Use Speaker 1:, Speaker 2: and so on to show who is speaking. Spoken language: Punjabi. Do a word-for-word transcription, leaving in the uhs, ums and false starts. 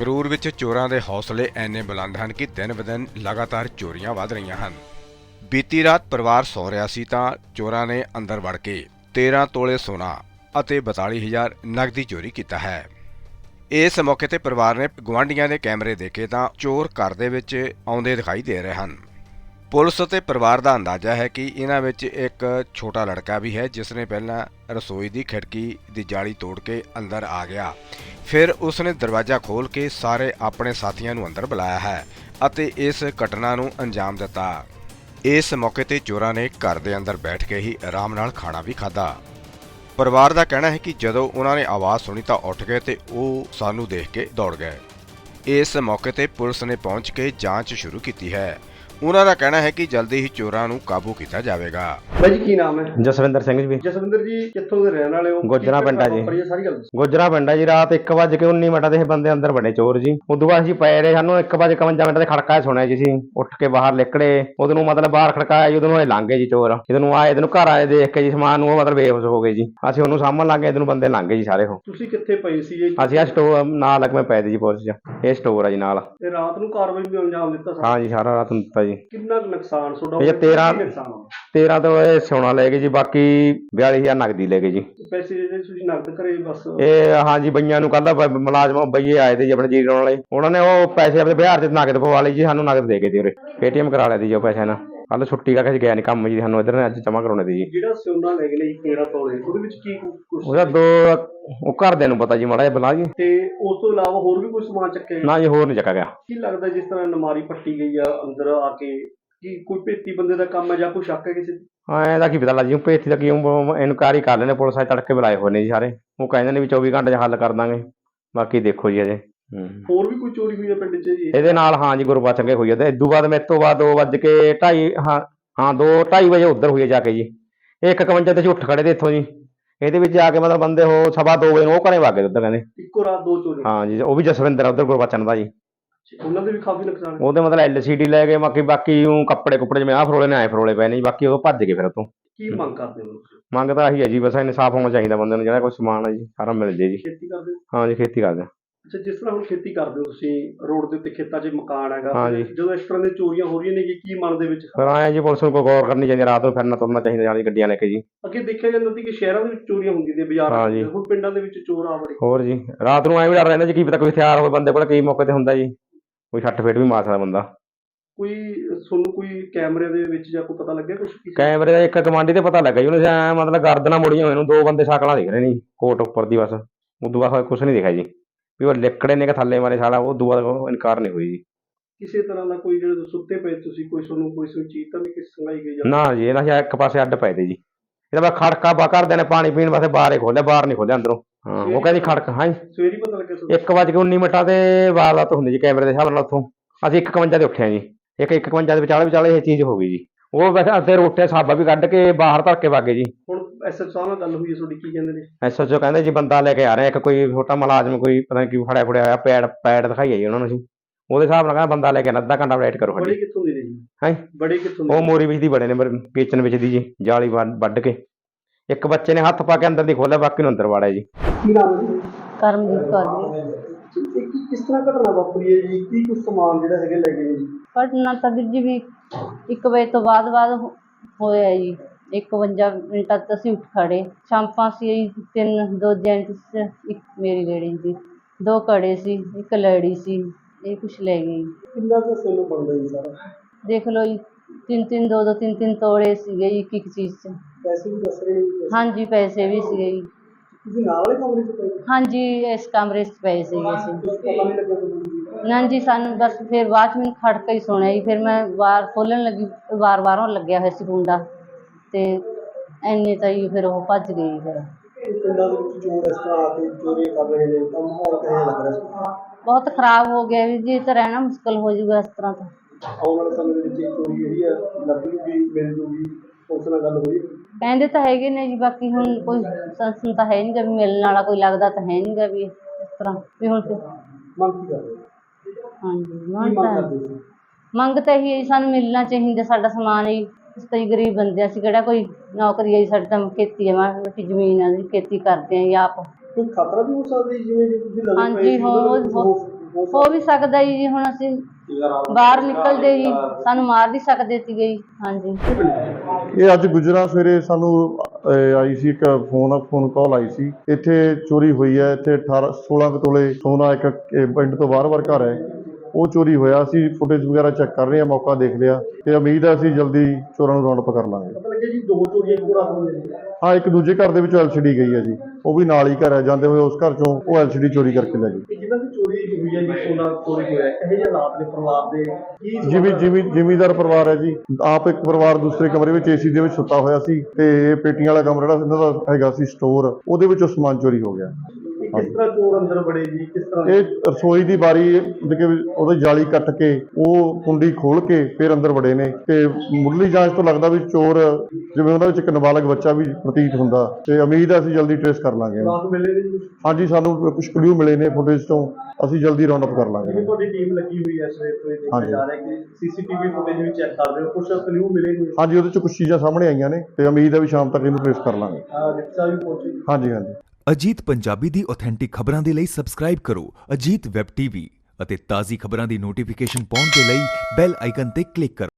Speaker 1: ਸੰਗਰੂਰ ਵਿੱਚ ਚੋਰਾਂ ਦੇ ਹੌਸਲੇ ਇੰਨੇ ਬੁਲੰਦ ਹਨ ਕਿ ਦਿਨ ਬ ਦਿਨ ਲਗਾਤਾਰ ਚੋਰੀਆਂ ਵਧ ਰਹੀਆਂ ਹਨ। ਬੀਤੀ ਰਾਤ ਪਰਿਵਾਰ ਸੌ ਰਿਹਾ ਸੀ ਤਾਂ ਚੋਰਾਂ ਨੇ ਅੰਦਰ ਵੜ ਕੇ ਤੇਰਾਂ ਤੋਲੇ ਸੋਨਾ ਅਤੇ ਬਤਾਲੀ ਹਜ਼ਾਰ ਨਕਦੀ ਚੋਰੀ ਕੀਤਾ ਹੈ। ਇਸ ਮੌਕੇ ਤੇ ਪਰਿਵਾਰ ਨੇ ਗੁਆਂਢੀਆਂ ਦੇ ਕੈਮਰੇ ਦੇਖੇ ਤਾਂ ਚੋਰ ਘਰ ਦੇ ਵਿੱਚ ਆਉਂਦੇ ਦਿਖਾਈ ਦੇ ਰਹੇ ਹਨ। ਪੁਲਿਸ ਅਤੇ ਪਰਿਵਾਰ ਦਾ ਅੰਦਾਜ਼ਾ ਹੈ ਕਿ ਇਹਨਾਂ ਵਿੱਚ ਇੱਕ ਛੋਟਾ ਲੜਕਾ ਵੀ ਹੈ ਜਿਸ ਨੇ ਪਹਿਲਾਂ ਰਸੋਈ ਦੀ ਖਿੜਕੀ ਦੀ ਜਾਲੀ ਤੋੜ ਕੇ ਅੰਦਰ ਆ ਗਿਆ, ਫਿਰ ਉਸਨੇ ਦਰਵਾਜ਼ਾ ਖੋਲ੍ਹ ਕੇ ਸਾਰੇ ਆਪਣੇ ਸਾਥੀਆਂ ਨੂੰ ਅੰਦਰ ਬੁਲਾਇਆ ਹੈ ਅਤੇ ਇਸ ਘਟਨਾ ਨੂੰ ਅੰਜਾਮ ਦਿੱਤਾ। ਇਸ ਮੌਕੇ ਤੇ ਚੋਰਾਂ ਨੇ ਘਰ ਦੇ ਅੰਦਰ ਬੈਠ ਕੇ ਹੀ ਆਰਾਮ ਨਾਲ ਖਾਣਾ ਵੀ ਖਾਧਾ। ਪਰਿਵਾਰ ਦਾ ਕਹਿਣਾ ਹੈ ਕਿ ਜਦੋਂ ਉਹਨਾਂ ਨੇ ਆਵਾਜ਼ ਸੁਣੀ ਤਾਂ ਉੱਠ ਗਏ ਤੇ ਉਹ ਸਾਨੂੰ ਦੇਖ ਕੇ ਦੌੜ ਗਏ। ਇਸ ਮੌਕੇ ਤੇ ਪੁਲਿਸ ਨੇ ਪਹੁੰਚ ਕੇ ਜਾਂਚ ਸ਼ੁਰੂ ਕੀਤੀ ਹੈ। ਉਹਨਾਂ ਦਾ ਕਹਿਣਾ ਹੈ ਕਿ ਜਲਦੀ ਹੀ ਚੋਰਾਂ ਨੂੰ ਕਾਬੂ ਕੀਤਾ ਜਾਵੇਗਾ।
Speaker 2: ਬਾਈ ਜੀ ਕੀ ਨਾਮ ਹੈ?
Speaker 3: ਜਸਵਿੰਦਰ ਸਿੰਘ ਜੀ।
Speaker 2: ਜਸਵਿੰਦਰ ਜੀ ਕਿੱਥੋਂ ਦੇ ਰਹਿਣ ਵਾਲੇ ਹੋ?
Speaker 3: ਗੁੱਜਰਾਂ ਪਿੰਡ ਆ ਜੀ।
Speaker 2: ਸਾਰੀ ਗੱਲ
Speaker 3: ਗੁੱਜਰਾਂ ਪਿੰਡ ਆ ਜੀ। ਰਾਤ ਇੱਕ ਵੱਜ ਕੇ ਉੱਨੀ ਮਿੰਟਾਂ ਦੇ ਇਹ ਬੰਦੇ ਅੰਦਰ ਵੜੇ ਚੋਰ ਜੀ। ਉਦੋਂ ਬਾਅਦ ਅਸੀਂ ਪਏ ਰਹੇ, ਸਾਨੂੰ ਇੱਕ ਵੱਜ ਇਕਵੰਜਾ ਮਿੰਟ ਦੇ ਖੜਕਾ ਸੁਣਿਆ ਜੀ। ਅਸੀਂ ਉੱਠ ਕੇ ਬਾਹਰ ਨਿਕਲੇ, ਉਹਦੇ ਨੂੰ ਮਤਲਬ ਬਾਹਰ ਖੜਕਾਇਆ ਜੀ, ਉਹਦੇ ਨੂੰ ਇਹ ਲੰਘ ਗਏ ਜੀ ਚੋਰ। ਇਹਦੇ ਨੂੰ ਆਏ, ਇਹਦੇ ਨੂੰ ਘਰ ਆਏ ਦੇਖ ਕੇ ਜੀ ਸਮਾਨ ਨੂੰ ਉਹ ਮਤਲਬ ਬੇਹੋਸ਼ ਹੋ ਗਏ ਜੀ। ਅਸੀਂ ਉਹਨੂੰ ਸਾਂਭਣ ਲੱਗ ਗਏ, ਇਹਦੇ ਨੂੰ ਬੰਦੇ ਲੰਘ ਗਏ ਜੀ ਸਾਰੇ। ਉਹ
Speaker 2: ਤੁਸੀਂ ਕਿੱਥੇ ਪਏ ਸੀ ਜੀ?
Speaker 3: ਅਸੀਂ ਆ ਸਟੋਰ ਨਾਲ ਲੱਗਵੇਂ ਪਏ ਜੀ ਪੁਲਿਸ ਚ। ਇਹ ਸਟੋਰ ਆ ਜੀ ਨਾਲ।
Speaker 2: ਤੇ ਰਾਤ ਨੂੰ ਕਾਰਵਾਈ ਵੀ ਅੰਜਾਮ ਦਿੱਤਾ?
Speaker 3: ਹਾਂ ਜੀ, ਸਾਰਾ ਰਾਤ ਨੂੰ ਦਿੱਤਾ ਜੀ।
Speaker 2: ਕਿੰਨਾ ਨੁਕਸਾਨ ਤੁਹਾਡਾ?
Speaker 3: ਇਹ ਤੇਰਾਂ ਤੇਰਾਂ ਤੋਂ ਇਹ ਸੋਨਾ ਲੈ ਗਏ ਜੀ, ਬਾਕੀ ਬਿਆਲੀ ਹਜ਼ਾਰ ਨਗਦੀ ਲੈ ਗਏ ਜੀ।
Speaker 2: ਪੈਸੇ ਜਿਹੜੇ ਤੁਸੀਂ ਨਕਦ ਕਰੇ ਬਸ?
Speaker 3: ਇਹ ਹਾਂ ਜੀ, ਬਈਆਂ ਨੂੰ ਕੱਲ ਮੁਲਾਜ਼ਮ ਬਈਏ ਆਏ ਤੇ ਜੀ ਆਪਣੇ ਜੀਰੋ ਵਾਲੇ, ਉਹਨਾਂ ਨੇ ਉਹ ਪੈਸੇ ਆਪਣੇ ਬਿਹਾਰ ਚ ਨਗਦ ਪਵਾ ਲਈ ਜੀ। ਸਾਨੂੰ ਨਗਦ ਦੇ ਗਏ ਤੇ ਉਰੇ ਪੇਟੀਐਮ ਕਰਾ ਲਿਆ ਸੀ ਜੀ ਉਹ ਪੈਸੇ ਨਾਲ। ਕੱਲ ਛੁੱਟੀ ਕਰਕੇ ਗਿਆ ਨੀ ਕੰਮ ਜੀ, ਸਾਨੂੰ ਇੱਧਰ ਨੇ ਅੱਜ ਜਮ੍ਹਾਂ ਕਰਾਉਣੇ ਸੀ ਜੀ।
Speaker 2: ਜਿਹੜਾ ਸੋਨਾ ਲੈ ਗਏ ਤੇਰਾਂ ਤੋਲੇ, ਉਹਦੇ ਵਿੱਚ ਕੀ ਕੁਝ?
Speaker 3: ਉਹਦਾ ਦੋ ਉਹ ਘਰਦਿਆਂ ਨੂੰ ਪਤਾ ਜੀ, ਮਾੜਾ ਜਿਹਾ ਬਲਾ ਜੀ।
Speaker 2: ਤੇ ਉਸ ਤੋਂ ਇਲਾਵਾ ਹੋਰ ਵੀ ਕੋਈ ਸਮਾਨ ਚੱਕਿਆ?
Speaker 3: ਨਾ ਜੀ, ਹੋਰ ਨਹੀਂ ਚੱਕਾ ਗਿਆ।
Speaker 2: ਕੀ ਲੱਗਦਾ ਜਿਸ ਤਰ੍ਹਾਂ ਅਲਮਾਰੀ ਪੱਟੀ ਗਈ ਆ ਅੰਦਰ ਆ ਕੇ, ਕੀ ਕੋਈ ਭੇਤੀ ਬੰਦੇ ਦਾ ਕੰਮ ਹੈ ਜਾਂ ਕੋਈ ਸ਼ੱਕ ਹੈ ਕਿਸੇ ਦੀ?
Speaker 3: ਹਾਂ, ਇਹਦਾ ਕੀ ਪਤਾ ਲੱਗ ਜੀ, ਭੇਤੀ ਦਾ ਕੀ ਇਨਕੁਆਇਰੀ ਕਰ ਲੈਣੇ ਪੁਲਿਸ ਵਾਲੇ, ਤੜਕੇ ਬੁਲਾਏ ਹੋਏ ਨੇ ਜੀ ਸਾਰੇ। ਉਹ ਕਹਿੰਦੇ ਨੇ ਵੀ ਚੌਵੀ ਘੰਟੇ 'ਚ ਹੱਲ ਕਰ ਦਾਂਗੇ, ਬਾਕੀ ਦੇਖੋ ਜੀ ਅਜੇ।
Speaker 2: ਹੋਰ ਵੀ ਕੋਈ ਚੋਰੀ ਹੋਈ ਹੈ ਪਿੰਡ 'ਚ ਜੀ
Speaker 3: ਇਹਦੇ ਨਾਲ? ਹਾਂ ਜੀ, ਗੁਰਬਚਨ ਕੇ ਹੋਈ ਹੈ। ਤੇ ਇਦੋਂ ਬਾਅਦ ਮੇਰੇ ਤੋਂ ਬਾਅਦ ਦੋ ਵੱਜ ਕੇ ਢਾਈ ਹਾਂ ਹਾਂ ਦੋ ਢਾਈ ਵਜੇ ਉੱਧਰ ਹੋਈ ਹੈ ਜਾ ਕੇ ਜੀ। ਇੱਕ ਇਕਵੰਜਾ ਤੇ ਅਸੀਂ ਉੱਠ ਖੜੇ ਤੇ ਇੱਥੋਂ ਜੀ। ਇਹਦੇ ਵਿੱਚ ਆ ਕੇ ਮਤਲਬ ਬੰਦੇ ਉਹ ਸਵਾ ਦੋ ਵਜੇ ਨੂੰ ਉਹ ਘਰੇ ਵਗ ਗਏ ਉੱਧਰ, ਕਹਿੰਦੇ
Speaker 2: ਇੱਕੋ ਰਾਤ ਦੋ ਚੋਰੀ? ਹਾਂ
Speaker 3: ਜੀ, ਉਹ ਵੀ ਜਸਵਿੰਦਰ ਉੱਧਰ ਗੁਰਬਚਨ ਦਾ ਜੀ।
Speaker 2: ਉਹਨਾਂ ਦੇ ਵੀ ਕਾਫੀ ਨੁਕਸਾਨ?
Speaker 3: ਉਹਦੇ ਮਤਲਬ ਐਲ ਸੀ ਡੀ ਲੈ ਗਏ, ਬਾਕੀ ਬਾਕੀ ਉਹ ਕੱਪੜੇ ਕੁੱਪੜੇ ਜਿਵੇਂ ਆਹ ਫਰੋਲੇ ਨੇ ਆਏ ਫਰੋਲੇ ਪਏ ਨੇ ਜੀ, ਬਾਕੀ ਉਹ ਭੱਜ ਗਏ ਫਿਰ ਉੱਥੋਂ।
Speaker 2: ਕੀ ਮੰਗ ਕਰਦੇ ਹੋ?
Speaker 3: ਮੰਗ ਤਾਂ ਆਹੀ ਹੈ ਜੀ, ਬਸ ਇਨਸਾਫ ਹੋਣਾ ਚਾਹੀਦਾ ਬੰਦੇ ਨੂੰ, ਜਿਹੜਾ ਕੋਈ ਸਮਾਨ ਹੈ ਜੀ ਸਾਰਾ ਮਿਲ ਜੇ ਜੀ।
Speaker 2: ਖੇਤੀ ਕਰਦੇ ਹੋ?
Speaker 3: ਹਾਂ ਜੀ, ਖੇਤੀ ਕਰਦੇ ਹਾਂ।
Speaker 2: ਅੱਛਾ, ਜਿਸ ਤਰ੍ਹਾਂ ਹੁਣ ਖੇਤੀ ਕਰਦੇ ਹੋ ਤੁਸੀਂ, ਰੋਡ ਦੇ ਉੱਤੇ ਖੇਤਾਂ 'ਚ ਮਕਾਨ ਹੈਗਾ,
Speaker 3: ਹਾਂ ਜੀ।
Speaker 2: ਜਦੋਂ ਇਸ ਤਰ੍ਹਾਂ ਦੀਆਂ ਚੋਰੀਆਂ ਹੋ ਰਹੀਆਂ ਨੇ ਕੀ ਮਨ ਦੇ ਵਿੱਚ?
Speaker 3: ਫਿਰ ਆਏ ਜੀ, ਪੁਲਿਸ ਨੂੰ ਕੋਈ ਗੌਰ ਕਰਨੀ ਚਾਹੀਦੀ, ਰਾਤ ਨੂੰ ਫਿਰਨਾ ਤੁਰਨਾ ਚਾਹੀਦਾ ਨਾਲ ਗੱਡੀਆਂ ਲੈ ਕੇ ਜੀ।
Speaker 2: ਅੱਗੇ ਦੇਖਿਆ ਜਾਂਦਾ ਸੀ ਕਿ ਸ਼ਹਿਰਾਂ ਦੇ ਵਿੱਚ ਚੋਰੀਆਂ ਹੁੰਦੀਆਂ ਨੇ, ਬਾਜ਼ਾਰਾਂ ਵਿੱਚ, ਹੁਣ ਪਿੰਡਾਂ ਦੇ ਵਿੱਚ ਚੋਰ ਆ ਵੜੇ।
Speaker 3: ਹੋਰ ਜੀ, ਰਾਤ ਨੂੰ ਐਂ ਵੀ ਡਰ ਰਹਿੰਦਾ ਜੀ, ਕੀ ਪਤਾ ਕੋਈ ਹਥਿਆਰ ਹੋਵੇ ਬੰਦੇ ਕੋਲ, ਕਈ ਮੌਕੇ ਤੇ ਹੁੰਦਾ ਜੀ, ਕੋਈ ਛੱਟ ਫੇਟ ਵੀ ਮਾਰ ਸਕਦਾ ਬੰਦਾ।
Speaker 2: ਕੋਈ ਤੁਹਾਨੂੰ ਕੋਈ ਕੈਮਰੇ ਦੇ ਵਿੱਚ ਜਾਂ ਕੋਈ ਪਤਾ ਲੱਗਿਆ ਕੁਝ?
Speaker 3: ਕੈਮਰੇ ਦਾ ਇੱਕ ਕਮਾਂਡੀ ਤੇ ਪਤਾ ਲੱਗਾ ਜੀ, ਉਹਨੇ ਐਂ ਮਤਲਬ ਗਰਦਨਾਂ ਮੁੜੀਆਂ ਹੋਏ ਨੂੰ ਦੋ ਬੰਦੇ ਸ਼ਕਲਾਂ ਦਿਖ ਰਹੇ ਨੇ ਜੀ ਕੋਟ ਉੱਪਰ ਦੀ, ਬਸ ਉਦੋਂ ਬਾਅਦ ਕੁਛ ਨਹੀਂ ਦਿਖਿਆ ਜੀ ਵੀ ਉਹ ਲਿਕੜੇ ਨੇ ਕਿ ਥੱਲੇ ਮਾਰੇ ਸਾਲਾ। ਉਹ ਦੂਆ ਇਨਕਾਰ ਨਹੀਂ ਹੋਈ ਜੀ।
Speaker 2: ਕਿਸੇ ਤਰ੍ਹਾਂ ਦਾ ਕੋਈ ਜਿਹੜੇ ਸੁੱਤੇ ਪਏ ਤੁਸੀਂ, ਕੋਈ ਤੁਹਾਨੂੰ ਕੋਈ ਚੀਜ਼ ਤਾਂ ਨਹੀਂ ਕਿਸੇ ਸੁਣਾਈ ਗਈ?
Speaker 3: ਨਾ ਜੀ, ਇਹਨਾਂ ਇੱਕ ਪਾਸੇ ਅੱਡ ਪਏ ਤੇ ਜੀ। ਇਹਦਾ ਬਸ ਖੜਕਾ ਬਾ ਕਰਦੇ ਨੇ ਪਾਣੀ ਪੀਣ ਵਾਸਤੇ, ਬਾਹਰ ਹੀ ਖੋਲਿਆ, ਬਾਹਰ ਨਹੀਂ ਖੋਲਿਆ ਅੰਦਰੋਂ। ਹਾਂ, ਉਹ ਕਹਿੰਦੀ ਖੜਕ। ਹਾਂ,
Speaker 2: ਸਵੇਰੀ ਪਤਾ ਲੱਗਿਆ?
Speaker 3: ਇੱਕ ਵੱਜ ਕੇ ਉੱਨੀ ਮਿੰਟਾਂ ਤੇ ਵਾਰਦਾਤ ਹੁੰਦੀ ਜੀ ਕੈਮਰੇ ਦੇ ਹਿਸਾਬ ਨਾਲ। ਉੱਥੋਂ ਅਸੀਂ ਇੱਕ ਇਕਵੰਜਾ ਤੇ ਉੱਠਿਆ ਜੀ, ਇੱਕ ਇੱਕ ਇਕਵੰਜਾ ਦੇ ਵਿਚਾਲੇ ਵਿਚਾਲੇ ਇਹ ਚੀਜ਼ ਹੋ ਗਈ ਜੀ। ਉਹ ਵੈਸੇ ਅੱਧੇ ਰੋਟੇ ਸਾਬਾ ਵੀ ਕੱਢ ਕੇ ਬਾਹਰ ਧਰ ਕੇ ਵਾਗੇ ਜੀ।
Speaker 2: ਹੁਣ ਐਸ ਐਚ ਓ ਸਾਹਿਬ ਨਾਲ ਗੱਲ ਹੋਈ ਹੈ ਤੁਹਾਡੀ, ਕੀ ਕਹਿੰਦੇ ਨੇ?
Speaker 3: ਐਸ ਐਚ ਓ ਕਹਿੰਦੇ ਜੀ ਬੰਦਾ ਲੈ ਕੇ ਆ ਰਹੇ, ਇੱਕ ਕੋਈ ਛੋਟਾ ਮੁਲਾਜ਼ਮ ਕੋਈ ਪਤਾ ਨਹੀਂ ਕੀ ਫੜਿਆ ਫੜਿਆ ਹੋਇਆ, ਪੈਡ ਪੈਡ ਦਿਖਾਈ ਹੈ ਜੀ ਉਹਨਾਂ ਨੂੰ। ਅਸੀਂ ਉਹਦੇ ਹਿਸਾਬ ਨਾਲ ਕਹਿੰਦਾ ਬੰਦਾ ਲੈ ਕੇ ਆਉਣਾ, ਅੱਧਾ ਘੰਟਾ ਵੇਟ ਕਰੋ।
Speaker 2: ਬੜੇ ਕਿੱਥੋਂ ਦੀ ਨੇ ਜੀ?
Speaker 3: ਹਾਂ,
Speaker 2: ਬੜੇ ਕਿੱਥੋਂ?
Speaker 3: ਉਹ ਮੋਰੀ ਵਿੱਚ ਦੀ ਬੜੇ ਨੇ, ਵੇਚਣ ਵਿੱਚ ਦੀ ਜੀ, ਜਾਲੀ ਵੱਢ ਕੇ। ਇੱਕ ਬੱਚੇ ਨੇ ਹੱਥ ਪਾ ਕੇ ਅੰਦਰ ਦੀ ਖੋਲਿਆ, ਬਾਕੀ ਨੂੰ ਅੰਦਰ ਵਾੜਿਆ ਜੀ।
Speaker 2: ਕੀ ਨਾਮ ਹੈ ਜੀ?
Speaker 4: ਕਰਮਜੀਤ ਕੌਰ ਜੀ।
Speaker 2: ਕਿਸ ਤਰ੍ਹਾਂ ਘਟਨਾ ਵਾਪਰੀ ਹੈ ਜੀ? ਕੀ ਕੁਝ ਸਮਾਨ ਜਿਹੜਾ ਹੈਗੇ ਲੈ ਗਏ ਜੀ?
Speaker 4: ਘਟਨਾ ਤਾਂ ਵੀਰ ਜੀ ਵੀ ਇੱਕ ਵਜੇ ਤੋਂ ਬਾਅਦ ਬਾਅਦ ਹੋਇਆ ਜੀ। ਇਕਵੰਜਾ ਮਿੰਟਾਂ ਤੱਕ ਅਸੀਂ ਉੱਠ ਖੜੇ। ਸ਼ਾਂਪਾਂ ਸੀ ਤਿੰਨ, ਦੋ ਜੈਂਟਸ, ਇੱਕ ਮੇਰੀ ਲੇਡੀ ਦੀ, ਦੋ ਕੜੇ ਸੀ, ਇੱਕ ਲੜੀ ਸੀ, ਇਹ ਕੁਛ ਲੈ ਗਏ।
Speaker 2: ਕਿੰਨਾ ਕੁ ਸੋਨਾ ਬਣਦਾ ਜੀ ਸਾਰਾ? ਦੇਖ
Speaker 4: ਲਓ ਜੀ, ਤਿੰਨ ਤਿੰਨ ਦੋ ਦੋ ਤਿੰਨ ਤਿੰਨ ਤੋੜੇ ਸੀਗੇ ਜੀ ਇੱਕ ਇੱਕ ਚੀਜ਼ 'ਚ।
Speaker 2: ਪੈਸੇ ਵੀ ਦੱਸ ਰਹੇ ਨੇ?
Speaker 4: ਹਾਂਜੀ, ਪੈਸੇ ਵੀ ਸੀਗੇ ਜੀ।
Speaker 2: ਤੁਸੀਂ ਨਾਲ ਵਾਲੇ ਕਮਰੇ 'ਚ ਪਏ?
Speaker 4: ਹਾਂਜੀ, ਇਸ ਕਮਰੇ 'ਚ ਪਏ ਸੀਗੇ ਅਸੀਂ।
Speaker 2: ਪਤਾ ਨਹੀਂ ਲੱਗਾ ਤੁਹਾਨੂੰ?
Speaker 4: ਨਾ ਜੀ, ਸਾਨੂੰ ਬਸ ਫਿਰ ਬਾਅਦ 'ਚ ਮੈਨੂੰ ਖੜਕਾ ਹੀ ਸੁਣਿਆ ਜੀ। ਫਿਰ ਮੈਂ ਵਾਰ ਖੋਲ੍ਹਣ ਲੱਗੀ, ਵਾਰ ਬਾਹਰੋਂ ਲੱਗਿਆ ਹੋਇਆ ਸੀ ਕੁੰਡਾ, ਅਤੇ ਇੰਨੇ ਤਾਂ ਜੀ ਫਿਰ ਉਹ ਭੱਜ ਗਏ ਜੀ। ਫਿਰ
Speaker 2: ਪਿੰਡਾਂ ਦੇ ਵਿੱਚ ਚੋਰ ਇਸ ਤਰ੍ਹਾਂ ਆ ਕੇ ਚੋਰੀਆਂ ਕਰ ਰਹੇ ਨੇ ਤਾਂ ਮਾਹੌਲ ਕਿਹੋ ਜਿਹਾ ਲੱਗ ਰਿਹਾ ਸੀ?
Speaker 4: ਬਹੁਤ ਖਰਾਬ ਹੋ ਗਿਆ ਵੀ ਜੀ, ਤਾਂ ਰਹਿਣਾ ਮੁਸ਼ਕਿਲ ਹੋ ਜਾਊਗਾ ਇਸ ਤਰ੍ਹਾਂ ਤਾਂ।
Speaker 2: ਆਉਣ ਵਾਲੇ ਸਮੇਂ ਦੇ ਵਿੱਚ ਇਹ ਚੋਰੀ ਜਿਹੜੀ ਆ ਲੱਭੂਗੀ, ਮਿਲ ਜੂਗੀ, ਉਸ ਨਾਲ ਗੱਲ ਹੋਈ?
Speaker 4: ਕਹਿੰਦੇ ਤਾਂ ਹੈਗੇ ਨੇ ਜੀ, ਬਾਕੀ ਹੁਣ ਕੋਈ ਸੰਸਨ ਤਾਂ ਹੈ ਨਹੀਂ ਗਾ ਵੀ ਮਿਲਣ ਵਾਲਾ, ਕੋਈ ਲੱਗਦਾ ਤਾਂ ਹੈ ਨਹੀਂ ਗਾ ਵੀ ਇਸ ਤਰ੍ਹਾਂ ਵੀ। ਹੁਣ
Speaker 2: ਮੰਗ ਕੀ ਕਰਦੇ?
Speaker 4: ਹਾਂਜੀ, ਮੰਗ ਤਾਂ ਮੰਗ ਤਾਂ ਇਹੀ ਹੈ ਜੀ, ਸਾਨੂੰ ਮਿਲਣਾ ਚਾਹੀਦਾ ਸਾਡਾ ਸਮਾਨ ਜੀ। ਅਸੀਂ ਤਾਂ ਜੀ ਗਰੀਬ ਬੰਦੇ, ਅਸੀਂ ਕਿਹੜਾ ਕੋਈ ਨੌਕਰੀ ਹੈ ਜੀ, ਸਾਡੀ ਤਾਂ ਖੇਤੀ ਹੈ, ਮਾੜੀ ਜ਼ਮੀਨ ਹੈ ਜੀ, ਖੇਤੀ ਕਰਦੇ ਹਾਂ ਜੀ ਆਪ।
Speaker 2: ਕੋਈ ਖਤਰਾ ਵੀ ਹੋ ਸਕਦਾ ਜਿਵੇਂ ਜੇ ਤੁਸੀਂ
Speaker 4: ਹਾਂਜੀ, ਹੋ ਹੋ ਵੀ ਸਕਦਾ ਜੀ, ਹੁਣ ਅਸੀਂ ਬਾਹਰ ਨਿਕਲਦੇ ਜੀ ਸਾਨੂੰ ਮਾਰ ਵੀ ਸਕਦੇ ਸੀਗੇ ਜੀ। ਹਾਂਜੀ
Speaker 5: ਇਹ ਅੱਜ ਗੁਜਰਾ ਸਵੇਰੇ ਸਾਨੂੰ ਅਹ, ਆਈ ਸੀ ਇੱਕ ਫੋਨ ਫੋਨ ਕਾਲ ਆਈ ਸੀ, ਇੱਥੇ ਚੋਰੀ ਹੋਈ ਹੈ। ਇੱਥੇ ਅਠਾਰਾਂ ਸੋਲਾਂ ਕੁ ਤੋਲੇ ਸੋਨਾ ਇੱਕ ਇਹ ਪਿੰਡ ਤੋਂ ਬਾਹਰ-ਬਾਹਰ ਘਰ ਹੈ, ਉਹ ਚੋਰੀ ਹੋਇਆ। ਅਸੀਂ ਫੁਟੇਜ ਵਗੈਰਾ ਚੈੱਕ ਕਰ ਰਹੇ ਹਾਂ, ਮੌਕਾ ਦੇਖ ਲਿਆ ਤੇ ਉਮੀਦ ਹੈ ਅਸੀਂ ਜਲਦੀ ਚੋਰਾਂ ਨੂੰ ਰਾਉਂਡ ਅਪ ਕਰ ਲਾਂਗੇ।
Speaker 2: ਪਤਾ ਲੱਗਿਆ ਜੀ ਦੋ ਚੋਰੀਆਂ ਇੱਕੋ ਰਾਤ ਹੋਈਆਂ ਜੀ।
Speaker 5: ਹਾਂ, ਇੱਕ ਦੂਜੇ ਘਰ ਦੇ ਵਿੱਚੋਂ ਐਲ ਸੀ ਡੀ ਗਈ ਹੈ ਜੀ, ਉਹ ਵੀ ਨਾਲ ਹੀ ਘਰ ਹੈ। ਜਾਂਦੇ ਹੋਏ ਉਸ ਘਰ ਚੋਂ ਉਹ ਐਲ ਸੀ ਡੀ ਚੋਰੀ ਕਰਕੇ ਲੈ ਗਈ।
Speaker 2: ਇਹ ਜਿਨ੍ਹਾਂ ਦੀ ਚੋਰੀ ਹੋਈ ਹੈ ਜੀ, ਸੋਨਾ ਚੋਰੀ ਹੋਇਆ, ਇਹੋ ਜਿਹੇ ਹਾਲਾਤ ਨੇ ਪਰਿਵਾਰ ਦੇ ਕੀ?
Speaker 5: ਜਿਮੀ ਜਿਮੀ ਜ਼ਿਮੀਦਾਰ ਪਰਿਵਾਰ ਹੈ ਜੀ। ਆਪ ਇੱਕ ਪਰਿਵਾਰ ਦੂਸਰੇ ਕਮਰੇ ਵਿੱਚ ਏਸੀ ਦੇ ਵਿੱਚ ਸੁੱਤਾ ਹੋਇਆ ਸੀ ਤੇ ਇਹ ਪੇਟੀਆਂ ਵਾਲਾ ਕਮਰਾ ਜਿਹੜਾ ਇਹਨਾਂ ਦਾ ਹੈਗਾ ਸੀ ਸਟੋਰ, ਉਹਦੇ ਵਿੱਚੋਂ ਸਮਾਨ ਚੋਰੀ ਹੋ ਗਿਆ।
Speaker 2: ਇਹ ਕਿਸ ਤਰ੍ਹਾਂ ਚੋਰ ਅੰਦਰ ਵੜੇ ਜੀ, ਕਿਸ ਤਰ੍ਹਾਂ?
Speaker 5: ਇਹ ਰਸੋਈ ਦੀ ਬਾਰੀ ਮਤਲਬ ਕਿ ਉਹਦੇ ਜਾਲੀ ਕੱਟ ਕੇ ਉਹ ਕੁੰਡੀ ਖੋਲ ਕੇ ਫਿਰ ਅੰਦਰ ਵੜੇ ਨੇ ਤੇ ਮੁੱਢਲੀ ਜਾਂਚ ਤੋਂ ਲੱਗਦਾ ਵੀ ਚੋਰ ਜਿਵੇਂ ਉਹਨਾਂ ਵਿੱਚ ਇੱਕ ਨਾਬਾਲਗ ਬੱਚਾ ਵੀ ਪ੍ਰਤੀਤ ਹੁੰਦਾ ਤੇ ਉਮੀਦ ਹੈ ਅਸੀਂ ਜਲਦੀ ਟ੍ਰੇਸ ਕਰ ਲਾਂਗੇ।
Speaker 2: ਰਾਤ ਮਿਲੇ ਨੇ ਜੀ?
Speaker 5: ਹਾਂਜੀ, ਸਾਨੂੰ ਕੁਝ ਕਲੂ ਮਿਲੇ ਨੇ ਫੁਟੇਜ ਤੋਂ, ਅਸੀਂ ਜਲਦੀ ਰਾਉਂਡ ਅਪ ਕਰ ਲਾਂਗੇ।
Speaker 2: ਜਿਵੇਂ ਤੁਹਾਡੀ ਟੀਮ ਲੱਗੀ ਹੋਈ ਹੈ, ਇਸ ਵੇਲੇ ਤੋਂ ਇਹ ਦੇਖਿਆ
Speaker 5: ਹਾਂਜੀ।
Speaker 2: ਜਾ ਰਿਹਾ ਕਿ ਸੀਸੀਟੀਵੀ ਫੁਟੇਜ ਵੀ ਚੈੱਕ ਕਰ ਰਹੇ ਹੋ, ਕੁਝ ਕਲੂ ਮਿਲੇ ਨੇ?
Speaker 5: ਹਾਂਜੀ, ਉਹਦੇ ਚ ਕੁਝ ਚੀਜ਼ਾਂ ਸਾਹਮਣੇ ਆਈਆਂ ਨੇ ਤੇ ਉਮੀਦ ਹੈ ਵੀ ਸ਼ਾਮ ਤੱਕ ਇਹਨੂੰ ਟ੍ਰੇਸ ਕਰ ਲਾਂਗੇ।
Speaker 2: ਰਿਕਸ਼ਾ ਵੀ ਪਹੁੰਚੀ?
Speaker 5: ਹਾਂਜੀ ਹਾਂਜੀ।
Speaker 6: ਅਜੀਤ ਪੰਜਾਬੀ ਦੀ ਆਥੈਂਟਿਕ ਖਬਰਾਂ ਦੇ ਲਈ ਸਬਸਕ੍ਰਾਈਬ ਕਰੋ ਅਜੀਤ ਵੈਬ ਟੀਵੀ ਅਤੇ ਤਾਜ਼ੀ ਖਬਰਾਂ ਦੀ ਨੋਟੀਫਿਕੇਸ਼ਨ ਪਾਉਣ ਦੇ ਲਈ ਬੈਲ ਆਈਕਨ ਤੇ ਕਲਿੱਕ ਕਰੋ।